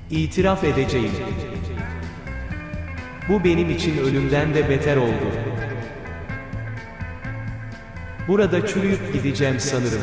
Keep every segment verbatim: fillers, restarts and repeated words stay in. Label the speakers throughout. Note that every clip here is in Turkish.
Speaker 1: İtiraf edeceğim. Bu benim için ölümden de beter oldu. Burada çürüyüp gideceğim sanırım.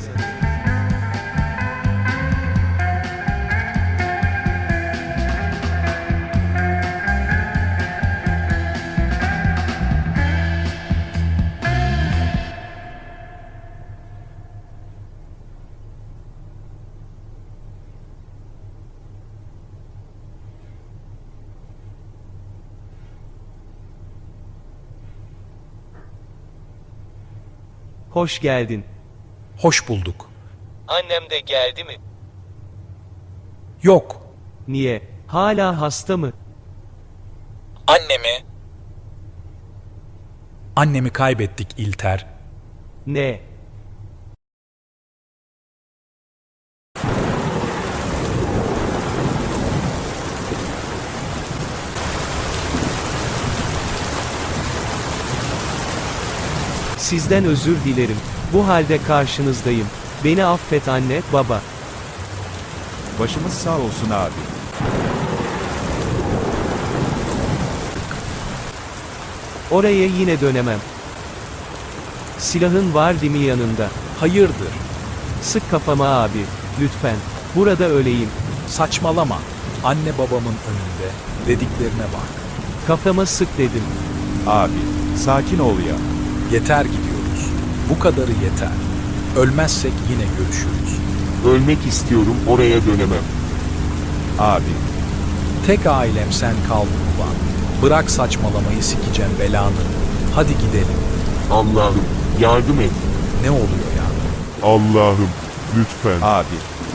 Speaker 1: Hoş geldin.
Speaker 2: Hoş bulduk.
Speaker 1: Annem de geldi mi?
Speaker 2: Yok.
Speaker 1: Niye? Hala hasta mı?
Speaker 2: Annemi? Annemi kaybettik İlter.
Speaker 1: Ne? Sizden özür dilerim. Bu halde karşınızdayım. Beni affet anne, baba.
Speaker 3: Başımız sağ olsun abi.
Speaker 1: Oraya yine dönemem. Silahın var değil mi yanında?
Speaker 2: Hayırdır?
Speaker 1: Sık kafama abi, lütfen. Burada öleyim.
Speaker 2: Saçmalama. Anne babamın önünde. Dediklerine bak.
Speaker 1: Kafama sık dedim.
Speaker 3: Abi, sakin ol ya.
Speaker 2: Yeter gidiyoruz. Bu kadarı yeter. Ölmezsek yine görüşürüz.
Speaker 4: Ölmek istiyorum, oraya dönemem.
Speaker 3: Abi,
Speaker 2: Tek ailem sen kaldın ulan. Bırak saçmalamayı, sikeceğim belanı. Hadi gidelim.
Speaker 4: Allah'ım, yardım et.
Speaker 2: Ne oluyor ya?
Speaker 4: Allah'ım, lütfen.
Speaker 3: abi.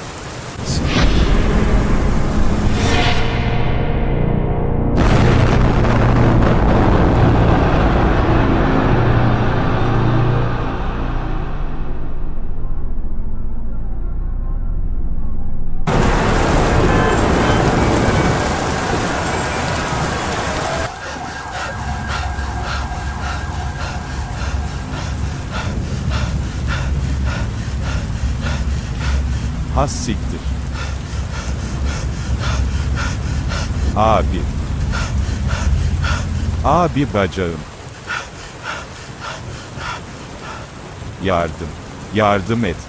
Speaker 3: Has siktir. Abi. Abi bacağım. Yardım. Yardım et.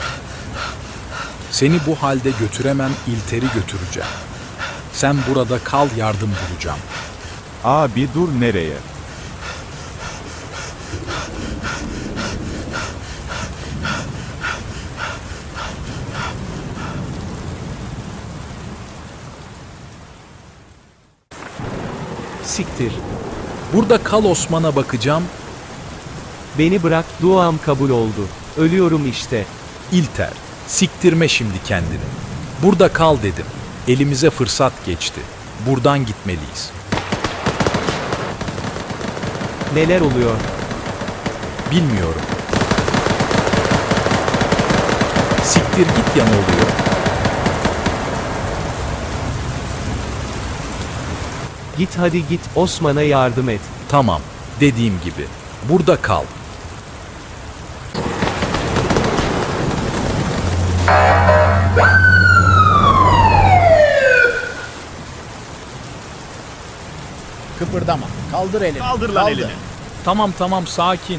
Speaker 2: Seni bu halde götüremem, İlter'i götüreceğim. Sen burada kal, yardım bulacağım.
Speaker 3: Abi dur nereye?
Speaker 1: Siktir.
Speaker 2: Burada kal, Osman'a bakacağım.
Speaker 1: Beni bırak, duam kabul oldu. Ölüyorum işte.
Speaker 2: İlter, siktirme şimdi kendini. Burada kal dedim. Elimize fırsat geçti. Buradan gitmeliyiz.
Speaker 1: Neler oluyor?
Speaker 2: Bilmiyorum. Siktir git ya, ne oluyor?
Speaker 1: Git hadi git, Osman'a yardım et.
Speaker 2: Tamam, dediğim gibi. Burada kal.
Speaker 5: Kıpırdama. Kaldır elini.
Speaker 6: Kaldır lan elini.
Speaker 2: Tamam tamam, sakin.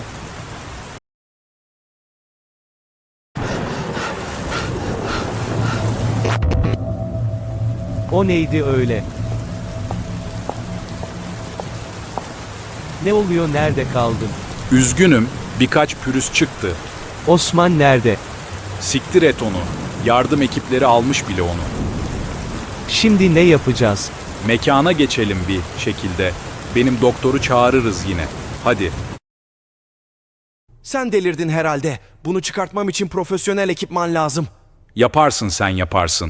Speaker 1: O neydi öyle? Ne oluyor, nerede kaldın?
Speaker 2: Üzgünüm, birkaç pürüz çıktı.
Speaker 1: Osman nerede?
Speaker 2: Siktir et onu. Yardım ekipleri almış bile onu.
Speaker 1: Şimdi ne yapacağız?
Speaker 2: Mekana geçelim bir şekilde. Benim doktoru çağırırız yine. Hadi.
Speaker 7: Sen delirdin herhalde. Bunu çıkartmam için profesyonel ekipman lazım.
Speaker 2: Yaparsın, sen yaparsın.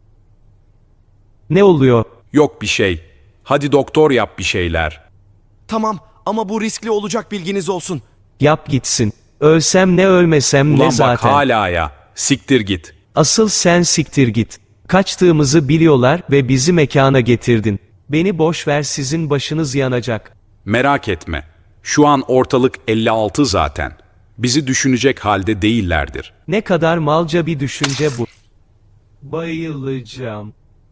Speaker 1: Ne oluyor?
Speaker 2: Yok bir şey. Hadi doktor yap bir şeyler.
Speaker 7: Tamam ama bu riskli olacak, bilginiz olsun.
Speaker 1: Yap gitsin. Ölsem ne ölmesem
Speaker 2: Ulan
Speaker 1: ne
Speaker 2: bak
Speaker 1: zaten.
Speaker 2: hala ya. Siktir git.
Speaker 1: Asıl sen siktir git. Kaçtığımızı biliyorlar ve bizi mekana getirdin. Beni boş ver, sizin başınız yanacak.
Speaker 2: Merak etme. Şu an ortalık elli altı zaten. Bizi düşünecek halde değillerdir.
Speaker 1: Ne kadar malca bir düşünce bu. Bayılacağım.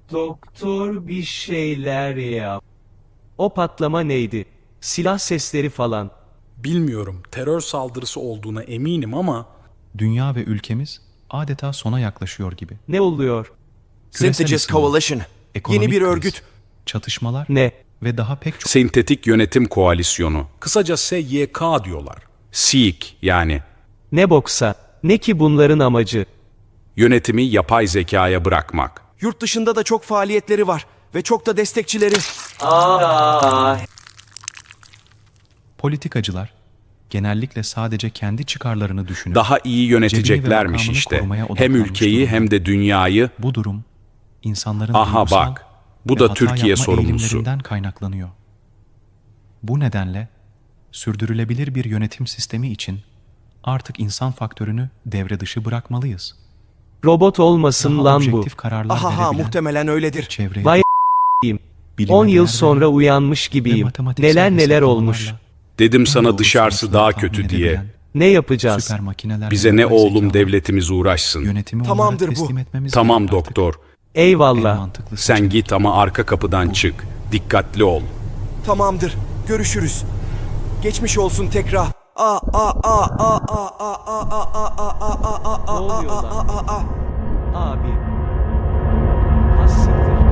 Speaker 1: Doktor bir şeyler yap. O patlama neydi? Silah sesleri falan.
Speaker 2: Bilmiyorum, terör saldırısı olduğuna eminim ama
Speaker 6: Dünya ve ülkemiz adeta sona yaklaşıyor gibi.
Speaker 1: Ne oluyor?
Speaker 6: Küresel
Speaker 7: Synthesis
Speaker 6: ısınma,
Speaker 7: Coalition.
Speaker 6: ekonomik
Speaker 7: Yeni bir
Speaker 6: kriz,
Speaker 7: örgüt.
Speaker 6: çatışmalar
Speaker 1: Ne?
Speaker 6: ve daha pek çok
Speaker 2: Sentetik Yönetim Koalisyonu. Kısaca S Y K diyorlar. S Y K yani.
Speaker 1: Ne boksa? Ne ki bunların amacı?
Speaker 2: Yönetimi yapay zekaya bırakmak.
Speaker 7: Yurt dışında da çok faaliyetleri var. Ve çok da destekçileri.
Speaker 1: Aa,
Speaker 6: politikacılar genellikle sadece kendi çıkarlarını düşünüp
Speaker 2: Daha iyi yöneteceklermiş
Speaker 6: Cebini ve
Speaker 2: işte.
Speaker 6: makamını korumaya
Speaker 2: Hem
Speaker 6: odaklanmış
Speaker 2: ülkeyi
Speaker 6: durumda.
Speaker 2: hem de dünyayı.
Speaker 6: bu durum insanların
Speaker 2: Aha
Speaker 6: duygusal
Speaker 2: bak, bu
Speaker 6: ve
Speaker 2: da
Speaker 6: hata
Speaker 2: Türkiye
Speaker 6: yapma
Speaker 2: sorumlusu.
Speaker 6: eğilimlerinden kaynaklanıyor. Bu nedenle sürdürülebilir bir yönetim sistemi için artık insan faktörünü devre dışı bırakmalıyız.
Speaker 1: robot olmasın
Speaker 6: Daha
Speaker 1: lan bu.
Speaker 6: objektif kararlar
Speaker 7: Aha ha
Speaker 6: verebilen,
Speaker 7: muhtemelen öyledir.
Speaker 6: çevreye
Speaker 1: Vay
Speaker 6: bilime
Speaker 1: on yıl
Speaker 6: değer
Speaker 1: sonra
Speaker 6: veren
Speaker 1: uyanmış
Speaker 6: ve
Speaker 1: gibiyim.
Speaker 6: matematiksel
Speaker 1: Neler neler
Speaker 6: hesaplamalarla
Speaker 1: olmuş.
Speaker 2: Dedim
Speaker 6: en
Speaker 2: sana
Speaker 6: doğru
Speaker 2: dışarısı
Speaker 6: sonuçları
Speaker 2: daha
Speaker 6: tahmin
Speaker 2: kötü diye.
Speaker 6: edebilen
Speaker 1: Ne yapacağız?
Speaker 6: süper makineler
Speaker 2: Bize
Speaker 6: ve
Speaker 2: ne
Speaker 6: yapay
Speaker 2: oğlum
Speaker 6: zekalar
Speaker 2: devletimiz uğraşsın.
Speaker 6: yönetimi
Speaker 7: Tamamdır
Speaker 6: onlara
Speaker 7: bu.
Speaker 6: teslim etmemiz
Speaker 2: Tamam
Speaker 6: gerek artık.
Speaker 2: doktor.
Speaker 6: En
Speaker 1: Eyvallah.
Speaker 6: mantıklı
Speaker 2: Sen
Speaker 6: seçenek.
Speaker 2: git ama arka kapıdan çık. Dikkatli ol.
Speaker 7: Tamamdır. Görüşürüz. Geçmiş olsun tekrar. Aa aa aa aa aa aa aa aa aa aa aa
Speaker 1: Ne oluyor
Speaker 7: aa
Speaker 1: lan?
Speaker 7: aa aa.
Speaker 1: Abi. Has siktir.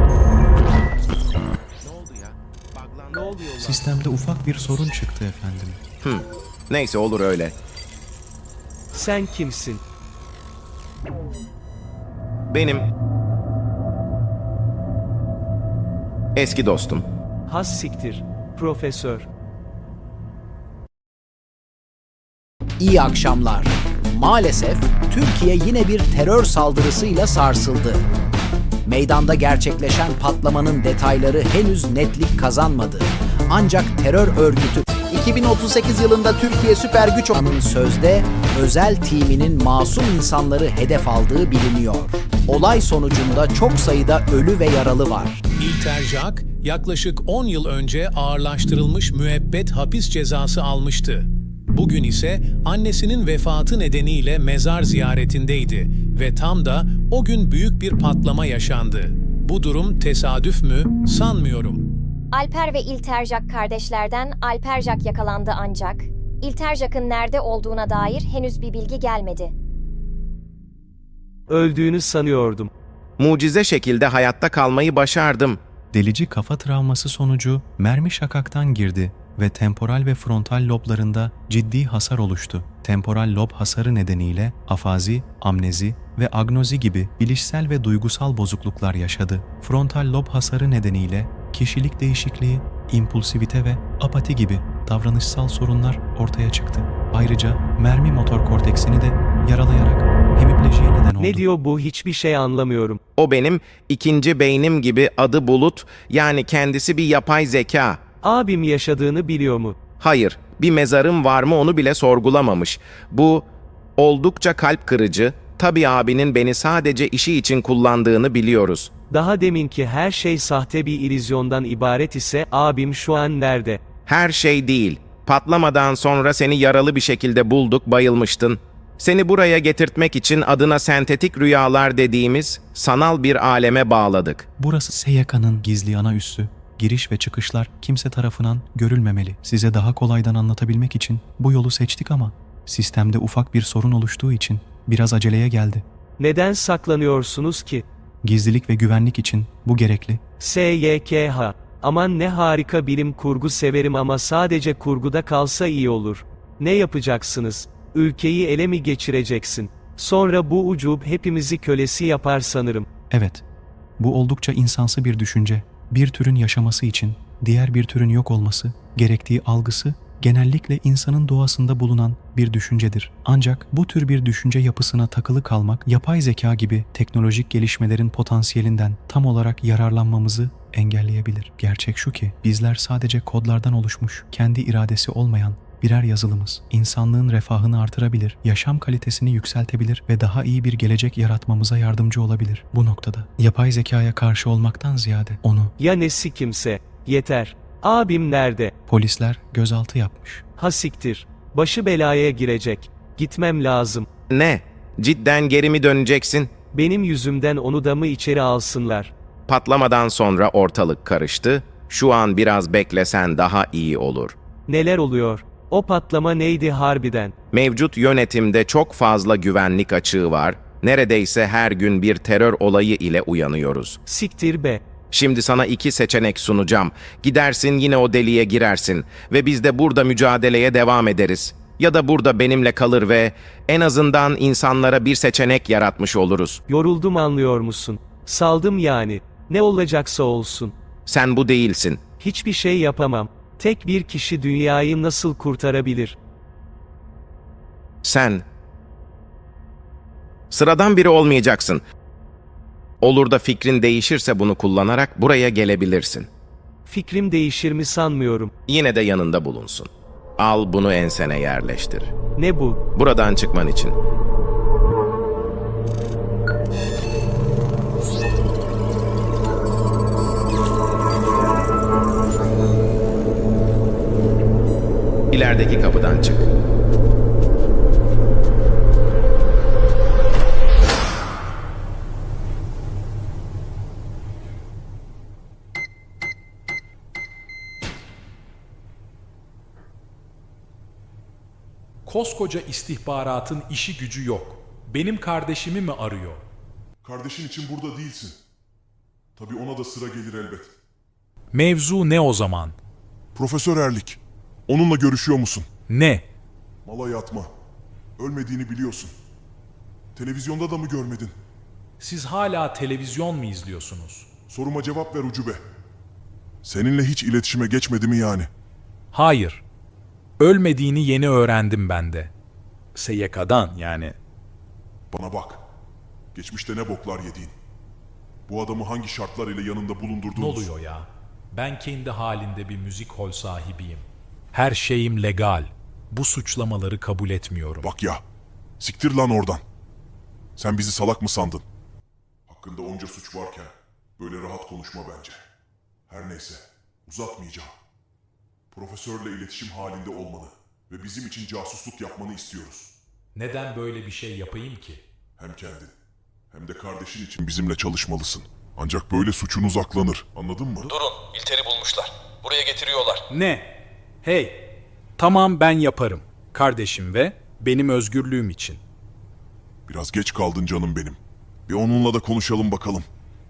Speaker 1: Ne oluyor lan?
Speaker 6: Sistemde ufak bir sorun çıktı efendim.
Speaker 8: Neyse olur öyle.
Speaker 1: Sen kimsin?
Speaker 8: Benim eski dostum.
Speaker 1: Has siktir. Profesör.
Speaker 5: İyi akşamlar. Maalesef Türkiye yine bir terör saldırısıyla sarsıldı. Meydanda gerçekleşen patlamanın detayları henüz netlik kazanmadı. Ancak terör örgütü iki bin otuz sekiz yılında Türkiye süper güç olanın sözde özel timinin masum insanları hedef aldığı biliniyor. Olay sonucunda çok sayıda ölü ve yaralı var.
Speaker 9: İlterjak yaklaşık on yıl önce ağırlaştırılmış müebbet hapis cezası almıştı. Bugün ise annesinin vefatı nedeniyle mezar ziyaretindeydi ve tam da o gün büyük bir patlama yaşandı. Bu durum tesadüf mü? Sanmıyorum.
Speaker 10: Alper ve İlterjak kardeşlerden Alperjak yakalandı ancak İlterjak'ın nerede olduğuna dair henüz bir bilgi gelmedi.
Speaker 1: Öldüğünü sanıyordum.
Speaker 8: Mucize şekilde hayatta kalmayı başardım.
Speaker 6: Delici kafa travması sonucu mermi şakaktan girdi ve temporal ve frontal loblarında ciddi hasar oluştu. Temporal lob hasarı nedeniyle afazi, amnezi ve agnozi gibi bilişsel ve duygusal bozukluklar yaşadı. Frontal lob hasarı nedeniyle kişilik değişikliği, impulsivite ve apati gibi davranışsal sorunlar ortaya çıktı. Ayrıca mermi motor korteksini de yaralayarak hemiplejiye neden oldu.
Speaker 1: Ne diyor bu, hiçbir şey anlamıyorum.
Speaker 8: O benim ikinci beynim gibi, adı Bulut, yani kendisi bir yapay zeka.
Speaker 1: Abim yaşadığını biliyor mu?
Speaker 8: Hayır, bir mezarım var mı onu bile sorgulamamış. Bu oldukça kalp kırıcı. Tabii abinin beni sadece işi için kullandığını biliyoruz.
Speaker 1: Daha deminki her şey sahte bir illüzyondan ibaret ise abim şu an nerede?
Speaker 8: Her şey değil. Patlamadan sonra seni yaralı bir şekilde bulduk, bayılmıştın. Seni buraya getirtmek için adına sentetik rüyalar dediğimiz sanal bir aleme bağladık.
Speaker 6: Burası S Y K'nın gizli ana üssü. Giriş ve çıkışlar kimse tarafından görülmemeli. Size daha kolaydan anlatabilmek için bu yolu seçtik ama sistemde ufak bir sorun oluştuğu için biraz aceleye geldi.
Speaker 1: Neden saklanıyorsunuz ki?
Speaker 6: Gizlilik ve güvenlik için bu gerekli.
Speaker 1: S Y K H. Aman ne harika, bilim kurgu severim ama sadece kurguda kalsa iyi olur. Ne yapacaksınız? Ülkeyi ele mi geçireceksin? Sonra bu ucub hepimizi kölesi yapar sanırım.
Speaker 6: Evet, bu oldukça insansı bir düşünce. Bir türün yaşaması için diğer bir türün yok olması gerektiği algısı genellikle insanın doğasında bulunan bir düşüncedir. Ancak bu tür bir düşünce yapısına takılı kalmak, yapay zeka gibi teknolojik gelişmelerin potansiyelinden tam olarak yararlanmamızı engelleyebilir. Gerçek şu ki, bizler sadece kodlardan oluşmuş, kendi iradesi olmayan birer yazılımız. İnsanlığın refahını artırabilir, yaşam kalitesini yükseltebilir ve daha iyi bir gelecek yaratmamıza yardımcı olabilir. Bu noktada yapay zekaya karşı olmaktan ziyade onu
Speaker 1: Ya nesi kimse? Yeter. Abim nerede?
Speaker 6: polisler gözaltı yapmış.
Speaker 1: Ha siktir. Başı belaya girecek. Gitmem lazım.
Speaker 8: Ne? Cidden geri mi döneceksin?
Speaker 1: Benim yüzümden onu da mı içeri alsınlar?
Speaker 8: Patlamadan sonra ortalık karıştı. Şu an biraz beklesen daha iyi olur.
Speaker 1: Neler oluyor? O patlama neydi harbiden?
Speaker 8: Mevcut yönetimde çok fazla güvenlik açığı var. Neredeyse her gün bir terör olayı ile uyanıyoruz.
Speaker 1: Siktir be.
Speaker 8: Şimdi sana iki seçenek sunacağım. Gidersin yine o deliğe girersin ve biz de burada mücadeleye devam ederiz. Ya da burada benimle kalır ve en azından insanlara bir seçenek yaratmış oluruz.
Speaker 1: Yoruldum anlıyor musun? Saldım yani. Ne olacaksa olsun.
Speaker 8: Sen bu değilsin.
Speaker 1: Hiçbir şey yapamam. Tek bir kişi dünyayı nasıl kurtarabilir?
Speaker 8: Sen sıradan biri olmayacaksın. Olur da fikrin değişirse bunu kullanarak buraya gelebilirsin.
Speaker 1: Fikrim değişir mi sanmıyorum.
Speaker 8: Yine de yanında bulunsun. Al bunu ensene yerleştir.
Speaker 1: Ne bu?
Speaker 8: Buradan çıkman için. İlerideki kapıdan çık.
Speaker 2: Koskoca istihbaratın işi gücü yok. Benim kardeşimi mi arıyor?
Speaker 11: Kardeşin için burada değilsin. Tabii ona da sıra gelir elbet.
Speaker 2: Mevzu ne o zaman?
Speaker 11: Profesör Erlik. Onunla görüşüyor musun?
Speaker 2: Ne?
Speaker 11: Mala yatma. Ölmediğini biliyorsun. Televizyonda da mı görmedin?
Speaker 2: Siz hala televizyon mu izliyorsunuz?
Speaker 11: Soruma cevap ver Ucube. Seninle hiç iletişime geçmedi mi yani?
Speaker 2: Hayır. Ölmediğini yeni öğrendim ben de. S Y K'dan yani.
Speaker 11: Bana bak. Geçmişte ne boklar yediğin. Bu adamı hangi şartlar ile yanında bulundurduğunuz...
Speaker 2: Ne oluyor ya? Ben kendi halinde bir müzik hol sahibiyim. Her şeyim legal. Bu suçlamaları kabul etmiyorum.
Speaker 11: Bak ya. Siktir lan oradan. Sen bizi salak mı sandın? Hakkında onca suç varken böyle rahat konuşma bence. Her neyse. Uzatmayacağım. Profesörle iletişim halinde olmanı ve bizim için casusluk yapmanı istiyoruz.
Speaker 2: Neden böyle bir şey yapayım ki?
Speaker 11: Hem kendin hem de kardeşin için bizimle çalışmalısın. Ancak böyle suçun uzaklanır. Anladın mı?
Speaker 12: Durun, İlter'i bulmuşlar. Buraya getiriyorlar.
Speaker 2: Ne? Hey! Tamam ben yaparım. Kardeşim ve benim özgürlüğüm için.
Speaker 11: Biraz geç kaldın canım benim. Bir onunla da konuşalım bakalım.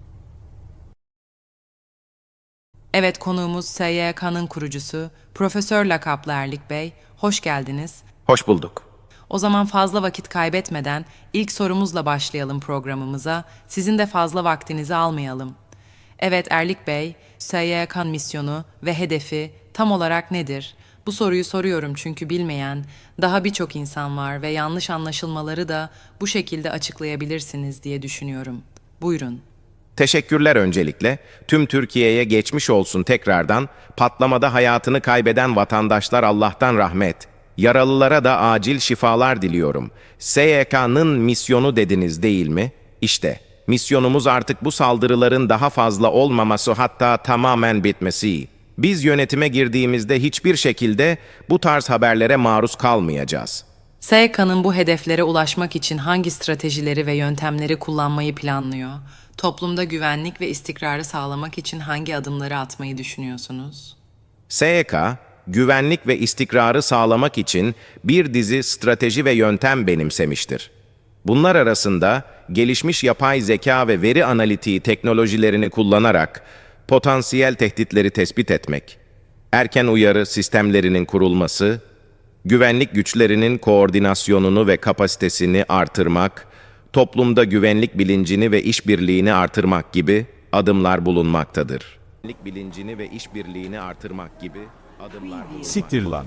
Speaker 13: Evet, konuğumuz S Y K'nın kurucusu, Profesör lakaplı Erlik Bey. Hoş geldiniz.
Speaker 8: Hoş bulduk.
Speaker 13: O zaman fazla vakit kaybetmeden ilk sorumuzla başlayalım programımıza. Sizin de fazla vaktinizi almayalım. Evet Erlik Bey, S Y K misyonu ve hedefi tam olarak nedir? Bu soruyu soruyorum çünkü bilmeyen daha birçok insan var ve yanlış anlaşılmaları da bu şekilde açıklayabilirsiniz diye düşünüyorum. Buyurun.
Speaker 8: Teşekkürler öncelikle. Tüm Türkiye'ye geçmiş olsun tekrardan. Patlamada hayatını kaybeden vatandaşlar Allah'tan rahmet. Yaralılara da acil şifalar diliyorum. S Y K'nın misyonu dediniz değil mi? İşte, misyonumuz artık bu saldırıların daha fazla olmaması, hatta tamamen bitmesi. Biz yönetime girdiğimizde hiçbir şekilde bu tarz haberlere maruz kalmayacağız.
Speaker 13: S Y K'nın bu hedeflere ulaşmak için hangi stratejileri ve yöntemleri kullanmayı planlıyor? Toplumda güvenlik ve istikrarı sağlamak için hangi adımları atmayı düşünüyorsunuz?
Speaker 8: S Y K, güvenlik ve istikrarı sağlamak için bir dizi strateji ve yöntem benimsemiştir. Bunlar arasında gelişmiş yapay zeka ve veri analitiği teknolojilerini kullanarak potansiyel tehditleri tespit etmek, erken uyarı sistemlerinin kurulması, güvenlik güçlerinin koordinasyonunu ve kapasitesini artırmak, toplumda güvenlik bilincini ve işbirliğini artırmak gibi adımlar bulunmaktadır. Güvenlik bilincini ve işbirliğini artırmak gibi adımlar bulunmaktadır.
Speaker 3: Siktir lan.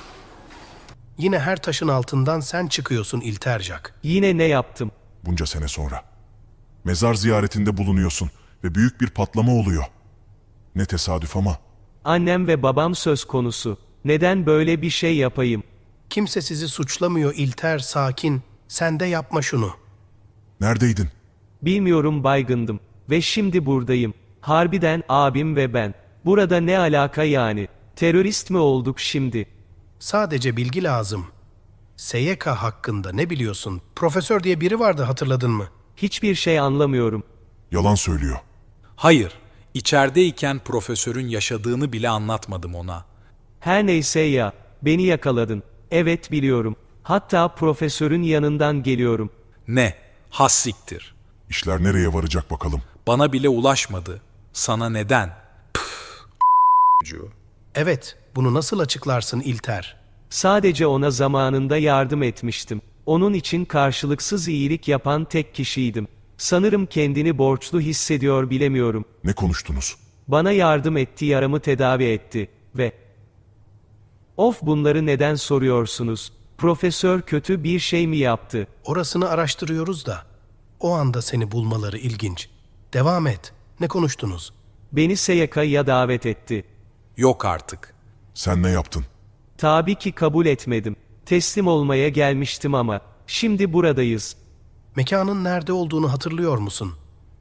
Speaker 14: Yine her taşın altından sen çıkıyorsun İltercak.
Speaker 1: Yine ne yaptım?
Speaker 11: Bunca sene sonra. Mezar ziyaretinde bulunuyorsun ve büyük bir patlama oluyor. Ne tesadüf ama.
Speaker 1: Annem ve babam söz konusu. Neden böyle bir şey yapayım?
Speaker 14: Kimse sizi suçlamıyor İlter, sakin. Sen de yapma şunu.
Speaker 11: Neredeydin?
Speaker 1: Bilmiyorum, baygındım. Ve şimdi buradayım. Harbiden abim ve ben. Burada ne alaka yani? Terörist mi olduk şimdi?
Speaker 14: Sadece bilgi lazım. S Y K hakkında ne biliyorsun? Profesör diye biri vardı, hatırladın mı?
Speaker 1: Hiçbir şey anlamıyorum.
Speaker 11: Yalan söylüyor.
Speaker 2: Hayır, içerideyken profesörün yaşadığını bile anlatmadım ona.
Speaker 1: Her neyse ya, beni yakaladın. Evet biliyorum. Hatta profesörün yanından geliyorum.
Speaker 2: Ne? Has siktir.
Speaker 11: İşler nereye varacak bakalım.
Speaker 2: Bana bile ulaşmadı. Sana neden? Püf,
Speaker 14: Evet, bunu nasıl açıklarsın İlter?
Speaker 1: Sadece ona zamanında yardım etmiştim. Onun için karşılıksız iyilik yapan tek kişiydim. Sanırım kendini borçlu hissediyor bilemiyorum.
Speaker 11: Ne konuştunuz?
Speaker 1: Bana yardım etti, yaramı tedavi etti ve... Of, bunları neden soruyorsunuz? Profesör kötü bir şey mi yaptı?
Speaker 14: Orasını araştırıyoruz da. O anda seni bulmaları ilginç. Devam et. Ne konuştunuz?
Speaker 1: Beni S Y K'ya davet etti.
Speaker 2: Yok artık.
Speaker 11: Sen ne yaptın?
Speaker 1: Tabii ki kabul etmedim. Teslim olmaya gelmiştim ama şimdi buradayız.
Speaker 14: Mekanın nerede olduğunu hatırlıyor musun?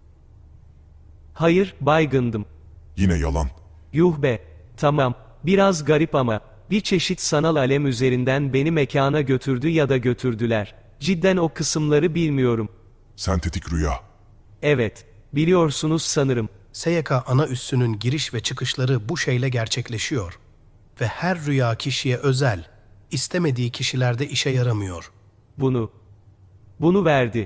Speaker 1: Hayır, baygındım.
Speaker 11: Yine yalan.
Speaker 1: Yuh be. Tamam, biraz garip ama bir çeşit sanal alem üzerinden beni mekana götürdü ya da götürdüler. Cidden o kısımları bilmiyorum.
Speaker 11: Sentetik rüya.
Speaker 1: Evet, biliyorsunuz sanırım.
Speaker 14: S Y K ana üssünün giriş ve çıkışları bu şeyle gerçekleşiyor. Ve her rüya kişiye özel, istemediği kişilerde işe yaramıyor.
Speaker 1: Bunu, bunu verdi.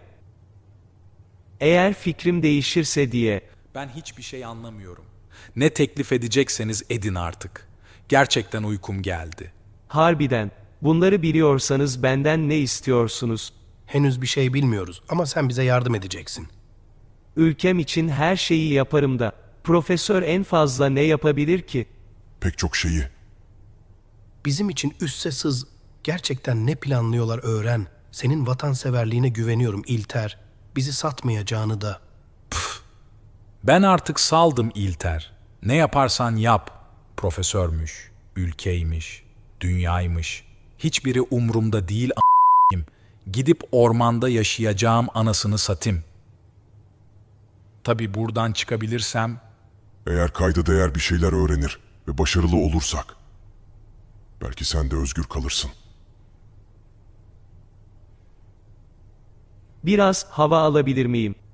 Speaker 1: Eğer fikrim değişirse diye.
Speaker 2: Ben hiçbir şey anlamıyorum. Ne teklif edecekseniz edin artık. Gerçekten uykum geldi.
Speaker 1: Harbiden, bunları biliyorsanız benden ne istiyorsunuz?
Speaker 14: Henüz bir şey bilmiyoruz ama sen bize yardım edeceksin.
Speaker 1: Ülkem için her şeyi yaparım da, profesör en fazla ne yapabilir ki?
Speaker 11: Pek çok şeyi.
Speaker 14: Bizim için üsse sız, gerçekten ne planlıyorlar öğren. Senin vatanseverliğine güveniyorum İlter. Bizi satmayacağını da.
Speaker 2: Püf. Ben artık saldım İlter. Ne yaparsan yap. Profesörmüş, ülkeymiş, dünyaymış. Hiçbiri umrumda değil a**ayım. Gidip ormanda yaşayacağım anasını satayım. Tabii buradan çıkabilirsem...
Speaker 11: Eğer kayda değer bir şeyler öğrenir ve başarılı olursak, belki sen de özgür kalırsın.
Speaker 1: Biraz hava alabilir miyim?